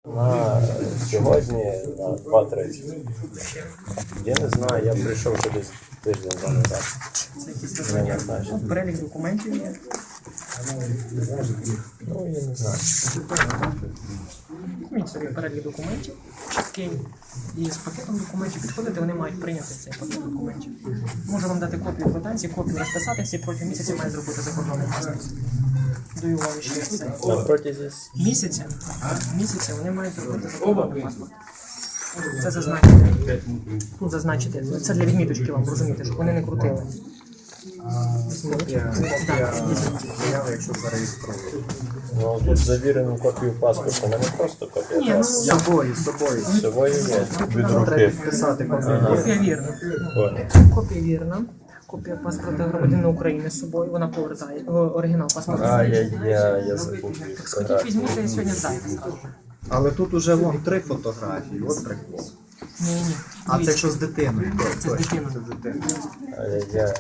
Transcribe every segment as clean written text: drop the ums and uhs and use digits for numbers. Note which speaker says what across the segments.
Speaker 1: На сьогодні на 2:30. Я не знаю, я прийшов ще десь тиждень назад.
Speaker 2: Це якісь перелік документів є?
Speaker 1: Ну, я не знаю.
Speaker 2: Візьміть собі перелік документів, чіткий, і з пакетом документів підходити, вони мають прийняти цей пакет документів. Можу вам дати копію квитанції, копію розписатися і протягом місяця має зробити закордонний паспорт. Даю вам ще це.
Speaker 1: На протязі
Speaker 2: Місяця вони мають зробити закордонний паспорт. Це зазначити. Тут зазначити. Це для відміточки вам, розумієте, щоб вони не крутили.
Speaker 3: Якщо зареєстровано.
Speaker 1: Ну, тут завірену копію паспорту, не просто копія
Speaker 2: Ні, ну,
Speaker 1: паспорту.
Speaker 3: З собою.
Speaker 1: З є. Від
Speaker 3: Треба
Speaker 1: руки.
Speaker 3: підписати копію.
Speaker 2: копія вірна.
Speaker 1: Понял.
Speaker 2: Копія вірна. Копія паспорта громадянина України з собою, вона повертає. Оригінал паспорта.
Speaker 1: А, я забув.
Speaker 2: Так сходіть, візьміть, я сьогодні зайду.
Speaker 3: Але тут уже вон 3 фотографії, от прикол.
Speaker 2: Ні.
Speaker 3: А це якщо з дитиною.
Speaker 2: Це з дитиною.
Speaker 3: Це з дитиною.
Speaker 1: Ай-яй-яй.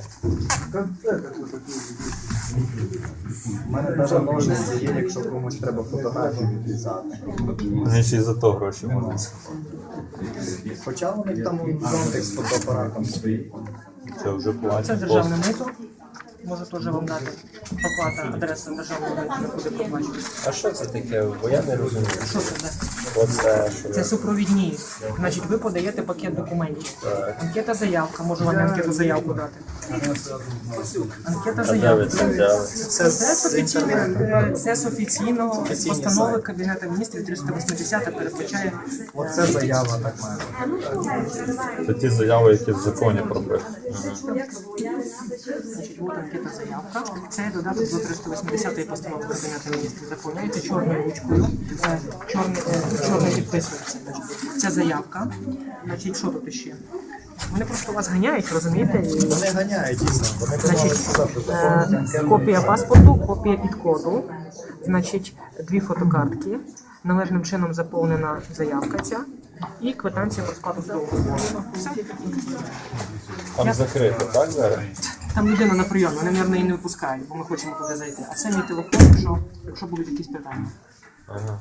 Speaker 3: У мене навіть ножниці є, якщо комусь треба фотографію відрізати.
Speaker 4: Вони ще й за то гроші можуть.
Speaker 3: Хоча у них там зонтик з фотоапаратом стоїть.
Speaker 4: Це вже
Speaker 2: Це
Speaker 4: платять.
Speaker 2: державне мито. Можу теж вам дати оплата, адреса державного мита, не буде проплачувати.
Speaker 1: А що це таке? Бо я не розумію.
Speaker 2: Що це за?
Speaker 1: Оце, що
Speaker 2: Це супровідні. Значить, ви подаєте пакет документів. Анкета заявка, можу вам анкету заявку дати. Анкета
Speaker 1: А де ви
Speaker 2: заявка.
Speaker 1: це взяли?
Speaker 2: Це з офіційного постанови Кабінету міністрів 380 передбачає.
Speaker 3: Оце заява так має.
Speaker 4: Це ті заяви, які в законі прописані.
Speaker 2: Значить, от анкета заявка. Це додаток до 380 постанови Кабінету міністрів. Заповняється чорною ручкою. Чорно підписується. Ця заявка. Значить, що тут ще? Вони просто вас ганяють, розумієте?
Speaker 3: Вони ганяють дійсно. Вони
Speaker 2: Значить, копія паспорту, копія підкоду, значить, 2 фотокартки, належним чином заповнена заявка ця і квитанція про сплату судового збору. Все.
Speaker 1: Там закрито, так зараз?
Speaker 2: Там людина на прийом, вони, мабуть, її не випускають, бо ми хочемо туди зайти. А це мій телефон, якщо будуть якісь питання.
Speaker 1: Ага.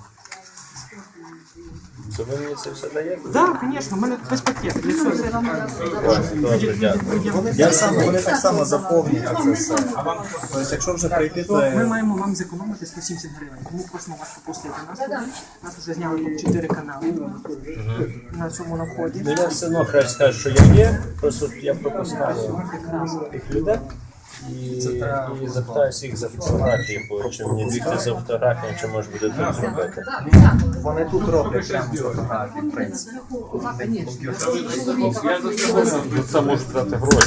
Speaker 1: Це ви мені це все даєте?
Speaker 2: Так, звісно, в мене без пакету. Для цього все
Speaker 1: Добре, дякую.
Speaker 3: Вони так само заповнюють це все. Тобто, якщо вже прийти, то
Speaker 2: Ми маємо вам зекономити 170 гривень. Тому просимо вас пропустити нас туди. Нас вже зняли тут 4 канали на цьому наході.
Speaker 1: Ну я все одно краще скажу, що я є, просто я пропускаю тих людей і запитаюся їх за фотографії, бо чи мені бігти за фотографіями, чи може буде тут зробити.
Speaker 3: вони тут роблять прямо фотографії, в принципі.
Speaker 4: Ну, це можуть дати гроші.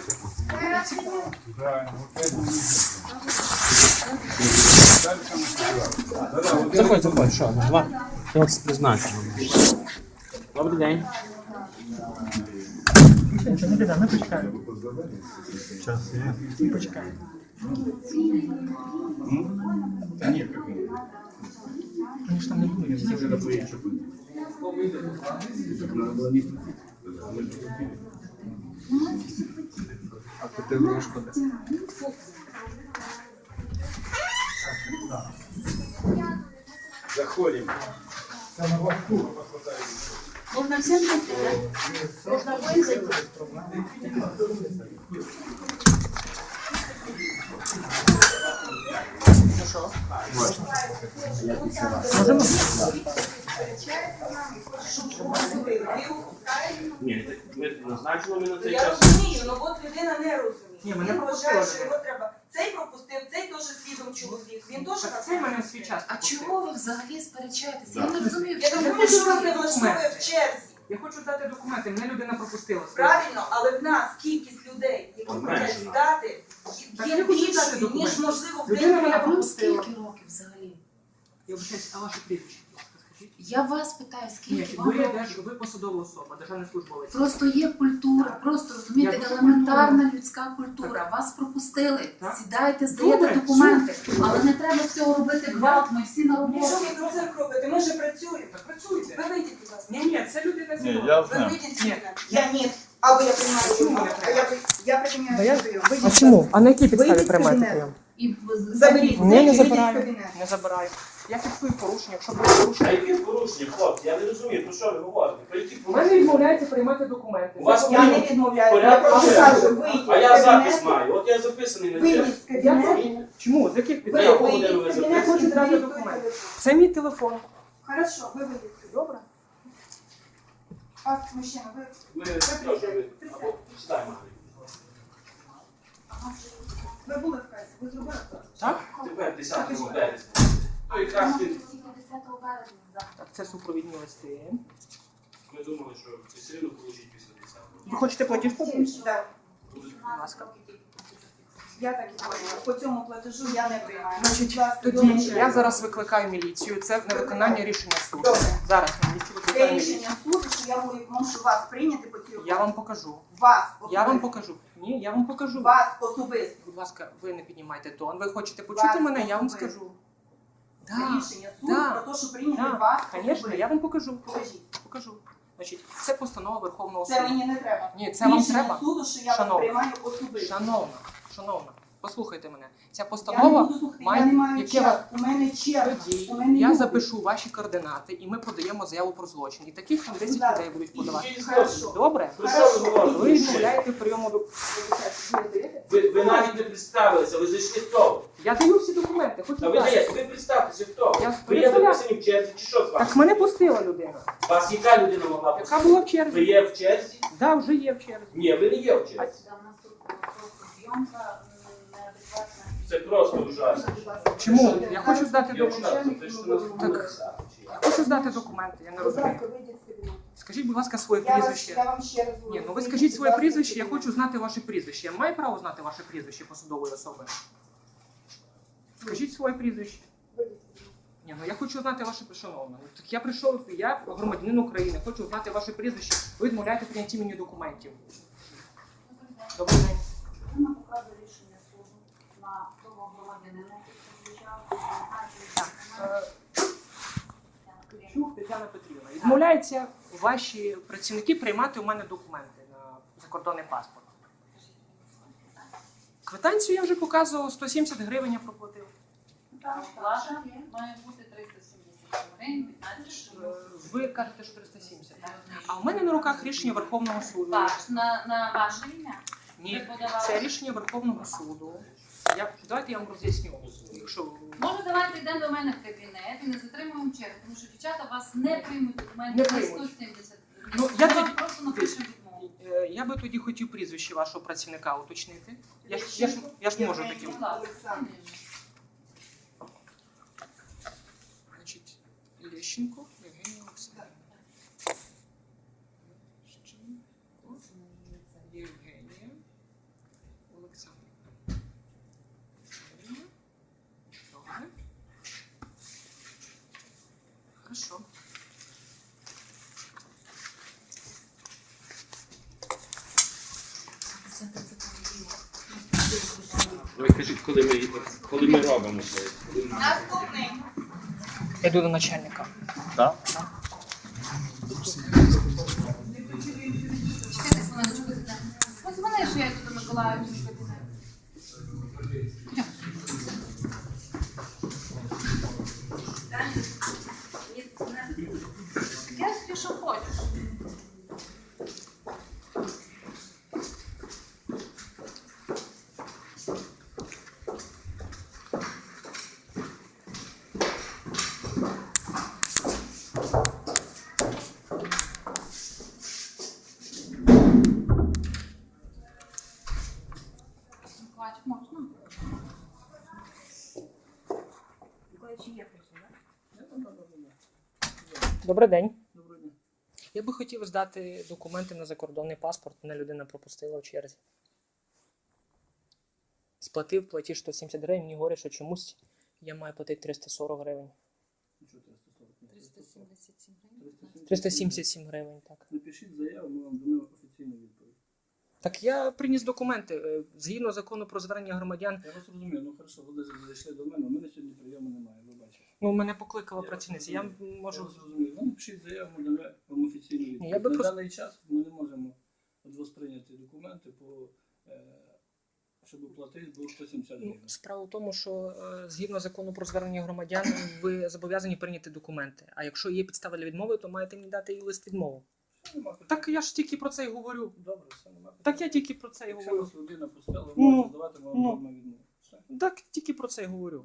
Speaker 5: Заходь, що? Два. Я вас призначу. Добрий день.
Speaker 2: Нічого, не біда, ми почекаємо.
Speaker 4: Час є.
Speaker 2: Почекаємо. Вони ж там не будуть, всі вже готують.
Speaker 3: А то ти врушку.
Speaker 6: Можно всем зайти, да? Можно всем зайти.
Speaker 2: Можемо?
Speaker 5: Ні, ми назначили ми на цей
Speaker 7: Я
Speaker 5: час.
Speaker 7: розумію, але от людина не розуміє.
Speaker 2: Ні, мене
Speaker 7: Він
Speaker 2: пропустили
Speaker 7: вважає, що
Speaker 2: вже.
Speaker 7: його треба. Цей пропустив, цей теж слідом чоловік. Він теж
Speaker 2: Так це в мене свій час.
Speaker 6: А чого ви взагалі сперечаєтеся? Я не розумію,
Speaker 7: Я
Speaker 6: чому
Speaker 7: думаю,
Speaker 6: ви
Speaker 7: що вас не
Speaker 6: що
Speaker 7: влаштовує в черзі.
Speaker 2: Я хочу дати документи, мене людина пропустила.
Speaker 7: Правильно, але в нас кількість людей, які хочуть здати,
Speaker 2: Так
Speaker 7: є
Speaker 2: я хочу дати
Speaker 7: більшою,
Speaker 2: документи.
Speaker 7: ніж можливо в
Speaker 2: Людина мене
Speaker 7: день.
Speaker 6: вам
Speaker 2: пропустила.
Speaker 6: скільки років взагалі?
Speaker 2: Я вибачаюсь, а ваше прізвище, будь ласка, скажіть?
Speaker 6: Я вас питаю,
Speaker 2: Ні,
Speaker 6: скільки вам років?
Speaker 2: ви посадова особа, державний службовець.
Speaker 6: Просто є культура, просто
Speaker 2: Я
Speaker 6: розумієте,
Speaker 2: дуже
Speaker 6: елементарна людська культура. Вас пропустили,
Speaker 2: Так.
Speaker 6: сідайте, здаєте
Speaker 2: Добре,
Speaker 6: документи, але не треба з цього робити гвалт, ми всі на
Speaker 7: Що
Speaker 6: роботі.
Speaker 7: ви про це робите? Ми ж працюємо.
Speaker 2: Працюйте.
Speaker 7: Ви вийдіть, будь ласка.
Speaker 2: Ні, це людина зі
Speaker 4: Ні,
Speaker 2: мною.
Speaker 4: я
Speaker 7: Ви
Speaker 4: знаю.
Speaker 7: вийдіть з
Speaker 2: Ні.
Speaker 7: мене. Я ні. Або я приймаю
Speaker 2: Чому
Speaker 7: прийом.
Speaker 2: не треба?
Speaker 7: Я приймаю прийом.
Speaker 2: А чому? А на якій підставі
Speaker 7: Вийдіть з
Speaker 2: приймаєте
Speaker 7: кабінету.
Speaker 2: прийом?
Speaker 6: І
Speaker 7: Заберіть.
Speaker 2: Ні, не
Speaker 7: Вийдіть з
Speaker 2: забираю.
Speaker 7: кабінету.
Speaker 2: Не забираю. Я фіксую порушення, якщо буде порушення.
Speaker 5: А які порушення, хлопці? Я не розумію, про що ви говорите? Про які
Speaker 2: У мене
Speaker 5: порушення?
Speaker 2: відмовляється приймати документи.
Speaker 5: У вас
Speaker 7: Я не відмовляюся, я
Speaker 5: порядок
Speaker 7: просто
Speaker 5: черги.
Speaker 7: кажу, вийдіть
Speaker 5: А я
Speaker 7: з
Speaker 5: запис
Speaker 7: кабінету,
Speaker 5: маю, от я записаний на
Speaker 7: вийдіть
Speaker 5: чергу.
Speaker 7: з кабінету,
Speaker 2: Чому? З яких
Speaker 5: За
Speaker 2: підстав?
Speaker 5: яку
Speaker 7: вийдіть
Speaker 5: годину ви
Speaker 7: з кабінету,
Speaker 2: Хочу
Speaker 5: записані?
Speaker 2: зразу
Speaker 7: відкрийте
Speaker 2: документи.
Speaker 7: телефон.
Speaker 2: Це мій телефон.
Speaker 7: Хорошо, ви вийдіть.
Speaker 2: Добре.
Speaker 7: Вас, мужчина, ви...
Speaker 5: Ми теж ви або сідай, Марій.
Speaker 7: Ви були в касі, ви зробили це?
Speaker 2: Так?
Speaker 5: Тепер 10 березня. То якраз він,
Speaker 2: Так, це супровідні листи.
Speaker 5: ми думали, що ви все одно положіть після 10-го.
Speaker 2: Ви хочете платіжку?
Speaker 7: Так.
Speaker 2: Будь ласка.
Speaker 7: Я так і говорю. По цьому платежу я не приймаю.
Speaker 2: Значить,
Speaker 7: Будь ласка,
Speaker 2: тоді
Speaker 7: домовляйтесь.
Speaker 2: я зараз викликаю міліцію. Це невиконання рішення суду.
Speaker 7: Добре.
Speaker 2: Зараз міліцію
Speaker 7: Це
Speaker 2: викликаю міліцію.
Speaker 7: рішення суду, що я можу вас прийняти по цій
Speaker 2: Я вам покажу.
Speaker 7: Вас
Speaker 2: Я вам
Speaker 7: особисто.
Speaker 2: покажу. Ні, я вам покажу.
Speaker 7: Вас особисто.
Speaker 2: Будь ласка, ви не піднімайте тон. Ви хочете почути
Speaker 7: Вас
Speaker 2: мене, я вам
Speaker 7: особисто.
Speaker 2: скажу.
Speaker 7: Це
Speaker 2: Да,
Speaker 7: рішення суду
Speaker 2: да,
Speaker 7: про те, що прийняти
Speaker 2: да,
Speaker 7: вас
Speaker 2: звісно,
Speaker 7: особисто.
Speaker 2: я вам покажу.
Speaker 7: Покажіть.
Speaker 2: Покажу. Значить, це постанова Верховного
Speaker 7: Це
Speaker 2: суду.
Speaker 7: мені не треба.
Speaker 2: Ні, це вам
Speaker 7: Рішення
Speaker 2: треба.
Speaker 7: суду, що я вас
Speaker 2: Шановна.
Speaker 7: приймаю особисто.
Speaker 2: Шановна, послухайте мене. Ця
Speaker 7: Я не
Speaker 2: постанова
Speaker 7: буду слухати,
Speaker 2: має
Speaker 7: я не маю
Speaker 2: яке вас
Speaker 7: часу. У мене черга.
Speaker 2: тоді.
Speaker 7: У мене
Speaker 2: Я
Speaker 7: люди.
Speaker 2: запишу ваші координати і ми подаємо заяву про злочин. І таких там 10
Speaker 7: Да.
Speaker 2: людей будуть подавати.
Speaker 5: Який
Speaker 7: Хорошо.
Speaker 5: злочин?
Speaker 2: Добре?
Speaker 5: Про що ви
Speaker 2: Ви
Speaker 5: говорите?
Speaker 2: відмовляєте прийому до.
Speaker 5: Ви навіть не представилися, ви зайшли хто?
Speaker 2: Я даю всі документи, хочу
Speaker 5: Та ви
Speaker 2: дати.
Speaker 5: даєте, ви представтеся хто?
Speaker 2: Я
Speaker 5: Ви є
Speaker 2: представляю.
Speaker 5: записані в черзі чи що з вами?
Speaker 2: Так мене пустила людина.
Speaker 5: Вас яка людина могла
Speaker 2: Яка
Speaker 5: пустити?
Speaker 2: була в
Speaker 5: Ви
Speaker 2: черзі?
Speaker 5: є в черзі?
Speaker 2: Да, вже є в черзі.
Speaker 5: Ні, ви не є в черзі. Це просто ужасно.
Speaker 2: Чому? Я хочу здати
Speaker 5: Я
Speaker 2: документи.
Speaker 5: ужасно, це ж у нас
Speaker 2: Так.
Speaker 5: було.
Speaker 2: Я хочу здати документи, я не
Speaker 7: Будь
Speaker 2: розумію.
Speaker 7: ласка, вийдіть з кабінету.
Speaker 2: Скажіть, будь ласка, своє
Speaker 7: Я
Speaker 2: прізвище.
Speaker 7: вам ще раз говорю.
Speaker 2: Ні, ну ви
Speaker 7: Вийдіть,
Speaker 2: скажіть
Speaker 7: будь
Speaker 2: своє
Speaker 7: ласка, з
Speaker 2: прізвище, я
Speaker 7: кабінету.
Speaker 2: хочу знати ваше прізвище. Я маю право знати ваше прізвище посадової особи? Скажіть своє прізвище.
Speaker 7: Вийдіть з кабінету.
Speaker 2: Ні, ну я хочу знати ваше шановне. Ну, так я прийшов, я громадянин України, хочу знати ваше прізвище. Ви відмовляєте прийняті мені документів. Добрий день.
Speaker 6: Вона показує рішення суду на того громадянина, який
Speaker 2: Е, Чух Тетяна Петрівна. Відмовляється ваші працівники приймати у мене документи на закордонний паспорт. Квитанцію я вже показував, 170 гривень я проплатив.
Speaker 8: Плата має бути 370 гривень, 15 гривень.
Speaker 2: Ви кажете, що 370. А у мене на руках рішення Верховного суду.
Speaker 8: Так, на ваше ім'я.
Speaker 2: Ні,
Speaker 8: Ви подавали.
Speaker 2: це рішення Верховного суду. Давайте я вам роз'ясню. Якщо
Speaker 8: Може, давайте йдемо до мене в кабінет і не затримуємо чергу, тому що дівчата вас не приймуть документи
Speaker 2: Не
Speaker 8: за
Speaker 2: приймуть.
Speaker 8: 170 гривень.
Speaker 2: Ну, я
Speaker 8: Ми вам
Speaker 2: тоді-
Speaker 8: просто напишемо відмову.
Speaker 2: я би тоді хотів прізвище вашого працівника уточнити. Я ж можу таким.
Speaker 8: Будь ласка.
Speaker 7: Олександр.
Speaker 2: Значить, Лещенко Євгенія Олександрівна. Лещенко Євгенія Олександрівна. Добре. Хорошо.
Speaker 5: Ви кажіть, коли ми робимо це?
Speaker 7: Наступний.
Speaker 2: Я йду до начальника.
Speaker 4: Так?
Speaker 8: Чекайте хвилиночку. Подзвони, що я йду до Миколаївського кабінету. Я собі що хочу. Миколаївич, можна?
Speaker 2: Добрий день. Я би хотів здати документи на закордонний паспорт. Мене людина пропустила в черзі. Сплатив платіж 170 гривень, мені говорять, що чомусь я маю платити 340 гривень.
Speaker 8: 377 гривень.
Speaker 2: 377 гривень, так.
Speaker 3: Напишіть заяву, ми вам дамо офіційну відповідь.
Speaker 2: Так я приніс документи. Згідно закону про звернення громадян,
Speaker 3: Я вас розумію, ну хорошо, ви зайшли до мене, у мене сьогодні прийому немає, ви бачите.
Speaker 2: ну, мене покликала працівниця. Я можу.
Speaker 3: Я вас розумію, ви напишіть заяву, ми дамо вам офіційну відповідь.
Speaker 2: Я би
Speaker 3: На
Speaker 2: просто-
Speaker 3: даний час ми не можемо від вас прийняти документи по
Speaker 9: щоб платити, було 170 гривень.
Speaker 2: Справа в тому, що згідно закону про звернення громадян, ви зобов'язані прийняти документи. А якщо є підстава для відмови, то маєте мені дати і лист відмови.
Speaker 9: Нема питань.
Speaker 2: Так я ж тільки про це й говорю.
Speaker 9: Добре, все, нема питань.
Speaker 2: Так я тільки про це й
Speaker 9: Якщо
Speaker 2: говорю.
Speaker 9: вас людина пустила, ви
Speaker 2: Ну,
Speaker 9: можете здавати вам
Speaker 2: ну.
Speaker 9: норму відмови. Все.
Speaker 2: Так тільки про це й говорю.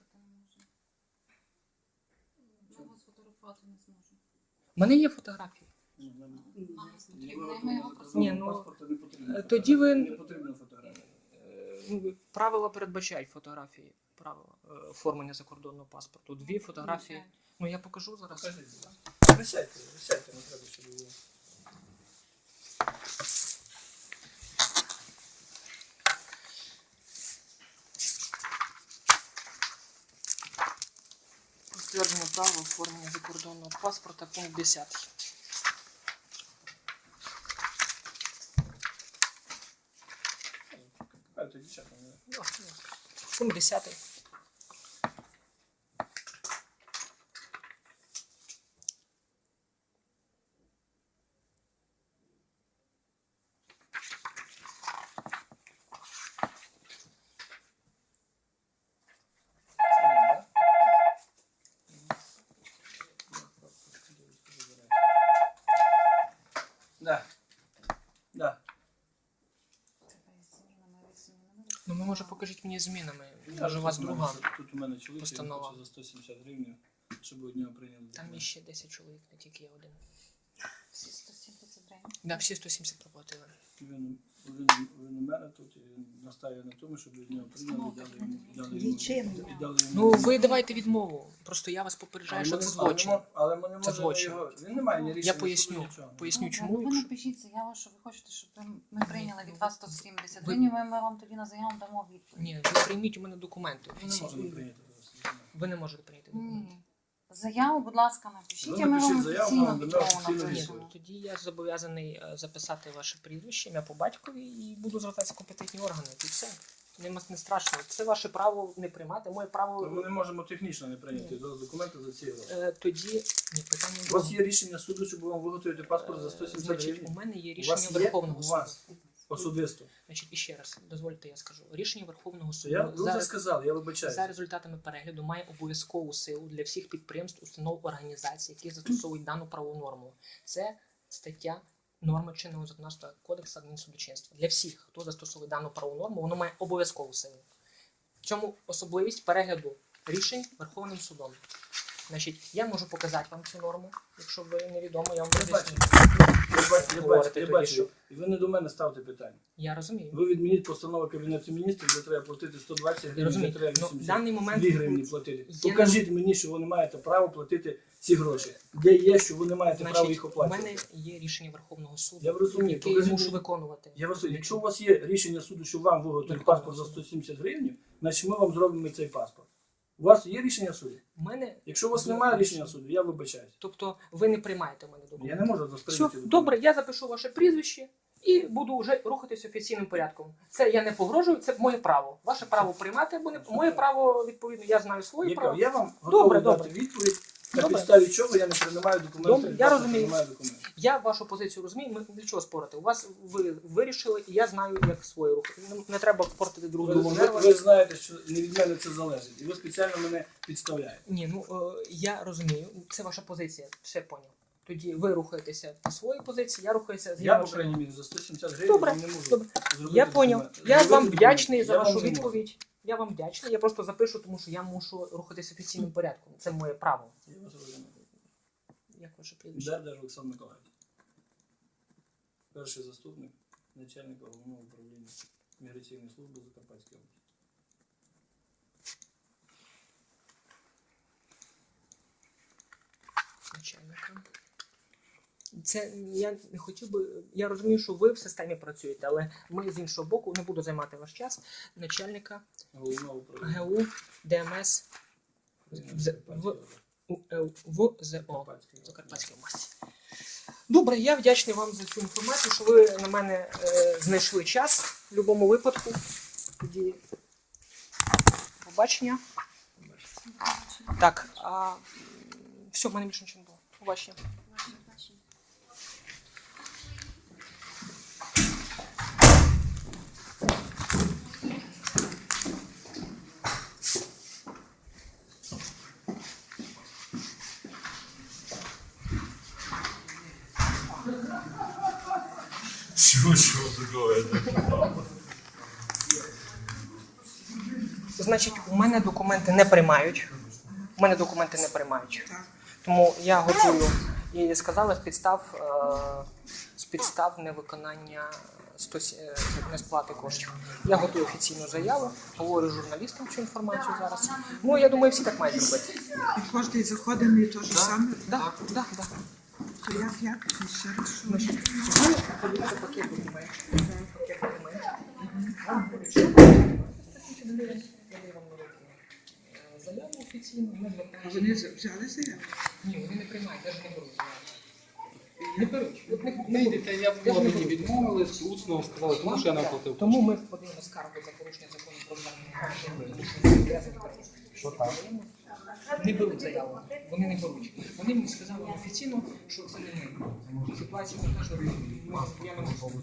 Speaker 8: Я його сфотографувати не зможу.
Speaker 2: У мене є фотографії.
Speaker 9: Ну, нам-
Speaker 8: Ми його просто...
Speaker 2: Ні, ну,
Speaker 9: паспорта не потрібно.
Speaker 2: тоді ви-
Speaker 9: Не потрібно фотографія.
Speaker 2: Правила передбачають фотографії. Правила оформлення закордонного паспорту. 2 фотографії. Ну я покажу зараз.
Speaker 9: Покажіть, будь ласка. Присядьте, не треба, щоб було.
Speaker 2: Підтвердження права оформлення закордонного паспорта, пункт 10.
Speaker 9: Покажіть, дівчата.
Speaker 2: Пункт 10.
Speaker 9: Да. Да.
Speaker 2: Ну, ви, може, покажіть мені змінами. Може, у вас друга.
Speaker 9: Тут у мене чоловік, він
Speaker 2: постанова.
Speaker 9: хоче за 170 гривень, щоб одного прийняли.
Speaker 2: Там є ще 10 чоловік, не тільки я один.
Speaker 8: Всі 170 гривень.
Speaker 2: Да, всі 170 проплатили.
Speaker 9: Він у мене тут і настає на тому, щоб від нього прийняли і дали йому.
Speaker 2: Ну, ви давайте відмову. Просто я вас попереджаю, що це злочин.
Speaker 9: Але ми не
Speaker 2: Це
Speaker 9: можемо
Speaker 2: злочин.
Speaker 9: його. Він не має ні рішення.
Speaker 2: Я поясню.
Speaker 9: суду, нічого.
Speaker 2: Поясню,
Speaker 8: Ну,
Speaker 2: чому.
Speaker 8: ви
Speaker 2: якщо-
Speaker 8: напишіть заяву, що ви хочете, щоб ми прийняли від вас 170 гривень, ми вам тоді на заяву дамо відповідь.
Speaker 2: Ні, ви прийміть у мене документи
Speaker 9: Ми не можемо
Speaker 2: офіційні.
Speaker 9: прийняти.
Speaker 2: Ви не можете прийняти документи.
Speaker 8: Ні. Заяву, будь ласка, напишіть,
Speaker 9: Ви
Speaker 8: а ми
Speaker 9: напишіть
Speaker 8: вам
Speaker 9: заяву,
Speaker 8: офіційно
Speaker 9: вам дамо
Speaker 8: відмову
Speaker 9: офіційну
Speaker 2: Ні,
Speaker 8: напишемо.
Speaker 2: тоді я зобов'язаний записати ваше прізвище, ім'я по батькові і буду звертатися в компетентні органи. І все. Не страшно. Це ваше право не приймати, моє право.
Speaker 9: Ми не можемо технічно не прийняти документи за ці гроші.
Speaker 2: Тоді ні, питання
Speaker 9: У вас
Speaker 2: друге.
Speaker 9: є рішення суду, щоб вам виготовити паспорт за 170
Speaker 2: Значить, у
Speaker 9: гривень?
Speaker 2: мене є
Speaker 9: У вас
Speaker 2: рішення
Speaker 9: є?
Speaker 2: Верховного
Speaker 9: У
Speaker 2: суду.
Speaker 9: вас особисто.
Speaker 2: Значить, іще раз, дозвольте, я скажу. Рішення Верховного суду
Speaker 9: Я, ви вже
Speaker 2: за,
Speaker 9: сказали, я вибачаюся.
Speaker 2: за результатами перегляду має обов'язкову силу для всіх підприємств, установ, організацій, які застосовують дану правову норму. Це стаття норми чинного законодавства Кодексу адмінсудочинства. Для всіх, хто застосовує дану правову норму, воно має обов'язкову силу. В цьому особливість перегляду рішень Верховним судом. Значить, я можу показати вам цю норму, якщо ви невідомо, я вам
Speaker 9: Я
Speaker 2: роз'ясню.
Speaker 9: бачу, я
Speaker 2: тоді,
Speaker 9: бачу.
Speaker 2: що-
Speaker 9: І ви не до мене ставте питання.
Speaker 2: Я розумію.
Speaker 9: Ви відмініть постанову Кабінету міністрів, де треба платити 120
Speaker 2: Я
Speaker 9: гривень, де
Speaker 2: розумію.
Speaker 9: треба
Speaker 2: Ну,
Speaker 9: 80
Speaker 2: в даний момент
Speaker 9: 2 гривні платити.
Speaker 2: є-
Speaker 9: Покажіть мені, що ви не маєте права платити ці гроші. Де є, що ви не маєте права
Speaker 2: Значить,
Speaker 9: їх
Speaker 2: у
Speaker 9: оплачувати.
Speaker 2: мене є рішення Верховного суду,
Speaker 9: Я розумію.
Speaker 2: яке я
Speaker 9: Покажіть
Speaker 2: мушу
Speaker 9: мені.
Speaker 2: виконувати.
Speaker 9: Я вас, якщо у вас є рішення суду, що вам виготовить паспорт за 170 гривень, значить ми вам зробимо цей паспорт. У вас є рішення суду?
Speaker 2: У мене,
Speaker 9: Якщо у вас немає рішення суду, я вибачаюсь.
Speaker 2: тобто ви не приймаєте в мене
Speaker 9: Я
Speaker 2: документи.
Speaker 9: не можу вас
Speaker 2: Все,
Speaker 9: прийняти.
Speaker 2: добре, я запишу ваше прізвище і буду вже рухатися офіційним порядком. Це я не погрожую, це моє право. Ваше право приймати або не моє право, відповідно, я знаю своє право.
Speaker 9: Я вам готовий
Speaker 2: Добре,
Speaker 9: дати відповідь, на
Speaker 2: Добре.
Speaker 9: підставі чого я не приймаю документи.
Speaker 2: Добре,
Speaker 9: від
Speaker 2: я
Speaker 9: вас не
Speaker 2: розумію.
Speaker 9: приймаю документи.
Speaker 2: Я вашу позицію розумію, ми для чого спорити. У вас ви вирішили, і я знаю, як своє рухати. Не треба портити друг другу нерви.
Speaker 9: Ви знаєте, що не від мене це залежить. І ви спеціально мене підставляєте.
Speaker 2: Ні, ну я розумію, це ваша позиція, все поняв. Тоді ви рухаєтеся по своїй позиції, я рухаюся з
Speaker 9: Я, по
Speaker 2: вашою.
Speaker 9: крайній мірі, за 170 гривень
Speaker 2: Добре,
Speaker 9: не можу
Speaker 2: добре.
Speaker 9: зробити
Speaker 2: Я поняв.
Speaker 9: документи.
Speaker 2: Я
Speaker 9: Зробити
Speaker 2: вам
Speaker 9: документи.
Speaker 2: вдячний за
Speaker 9: Я
Speaker 2: вашу
Speaker 9: вам не можу.
Speaker 2: відповідь. Я вам вдячний. Я просто запишу, тому що я мушу рухатися офіційним порядком. Це моє право.
Speaker 9: Я вас розумію.
Speaker 2: Як ваше прізвище?
Speaker 9: Дердер Олександр Миколаївич. Перший заступник начальника головного управління міграційної служби Закарпатської області.
Speaker 2: Начальника. Це я не хотів би. Я розумію, що ви в системі працюєте, але ми з іншого боку не буду займати ваш час. Начальника
Speaker 9: Головного управління.
Speaker 2: ГУ ДМС ВЗО Закарпатської області. Добре, я вдячний вам за цю інформацію, що ви на мене знайшли час в будь-якому випадку. Тоді побачення. Так, все, в мене більше нічого не було. Побачення.
Speaker 4: Чего другое?
Speaker 2: Значить, у мене документи не приймають. У мене документи не приймають. Тому я готую, і сказали, з підстав невиконання несплати коштів. Я готую офіційну заяву, говорю журналістам цю інформацію зараз. Ну, я думаю, всі так мають зробити.
Speaker 10: І кожен заходить і те ж саме.
Speaker 2: Так.
Speaker 10: То як? Ще раз що?
Speaker 2: Значить, подивіться пакет документів. Пакет документів. Заяву офіційну, ми
Speaker 10: А
Speaker 2: звертаємося.
Speaker 10: вони взяли заяву?
Speaker 2: Ні, вони не приймають, навіть не беруть заяву. Не беруть. От
Speaker 11: Не йдете, я в мені відмовили, усно сказали, тому що я не оплатив.
Speaker 2: Тому ми подаємо скаргу за порушення закону про звернення.
Speaker 3: Що там?
Speaker 2: Не беруть заяву. Вони не беруть. Вони мені сказали офіційно, що це не ми. Ситуація така, що я не можу.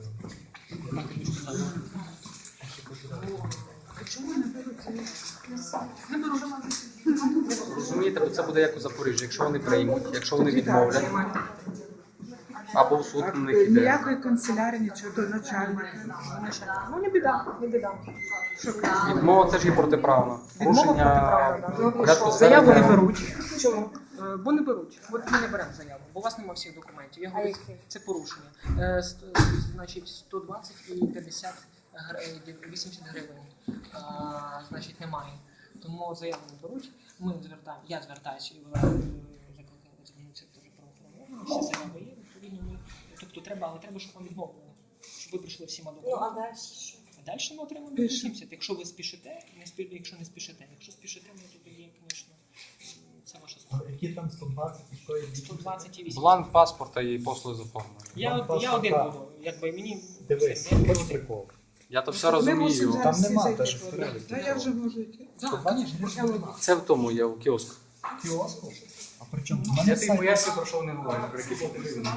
Speaker 10: Чому не беруть заяву?
Speaker 11: Розумієте, це буде як у Запоріжжі. Якщо вони приймуть, якщо вони відмовлять, або в суд на них іде.
Speaker 10: Ніякої канцелярії, нічого до начальника.
Speaker 2: Ну, не біда, не біда.
Speaker 11: Відмова це ж є протиправно. Порушення порядку
Speaker 2: Заяву не
Speaker 11: середнього.
Speaker 2: беруть. Чому? Бо не беруть. От ми не беремо заяву, бо у вас немає всіх документів. Я говорю, це порушення. Значить, 120 і 50 80 гривень. Значить, немає. Тому заяву не беруть. Я звертаюся і закликаю звернутися до правоохоронних. Всі заяви є, відповідно. Тобто треба, але щоб вам відмовили. Щоб ви прийшли всіма документами.
Speaker 6: Ну, а далі що?
Speaker 2: А далі ми отримаємо 80. Якщо ви спішите, якщо не спішите. Якщо спішите, ну, то є, звісно, це ваша справа.
Speaker 3: Які там 120 і що є?
Speaker 2: 120 і 80.
Speaker 11: Бланк паспорта і послуги з оформлення.
Speaker 2: Я один буду, якби мені...
Speaker 3: Дивись,
Speaker 2: все,
Speaker 3: хоч прикол.
Speaker 11: Я то все
Speaker 10: Ми
Speaker 11: розумію.
Speaker 10: мусимо
Speaker 3: Там
Speaker 10: зараз всі
Speaker 3: нема
Speaker 10: зайти.
Speaker 3: теж переліку.
Speaker 10: Та я вже можу йти.
Speaker 2: Так, звісно.
Speaker 11: Це в тому є, у кіоску.
Speaker 3: Кіоску? А при чому? У
Speaker 11: Я
Speaker 3: мене
Speaker 11: тобі
Speaker 3: сайт.
Speaker 11: поясню, про що вони говорять, про які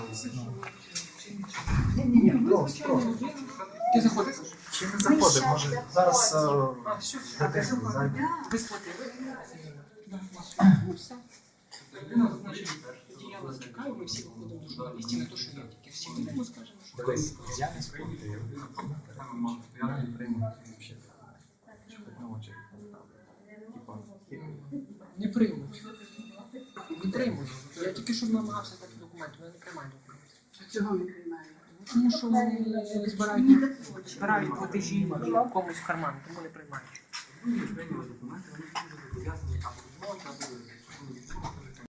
Speaker 2: Ти заходиш?
Speaker 3: Чи не заходить? Може зараз зайде.
Speaker 2: Ви сплатили? Ну, все. Значить, я вас чекаю, ми всі виходимо до журналістів, не то, що я тільки всі вийдемо, скажемо, що...
Speaker 3: Дивись, я не сплатив. Я не прийму взагалі. На очі.
Speaker 2: Не приймуть. Не приймуть. Я тільки що намагався дати документи, але не приймаю документи.
Speaker 10: Чого не приймаю?
Speaker 2: Тому що вони збирають платежі комусь в карман, тому не приймають.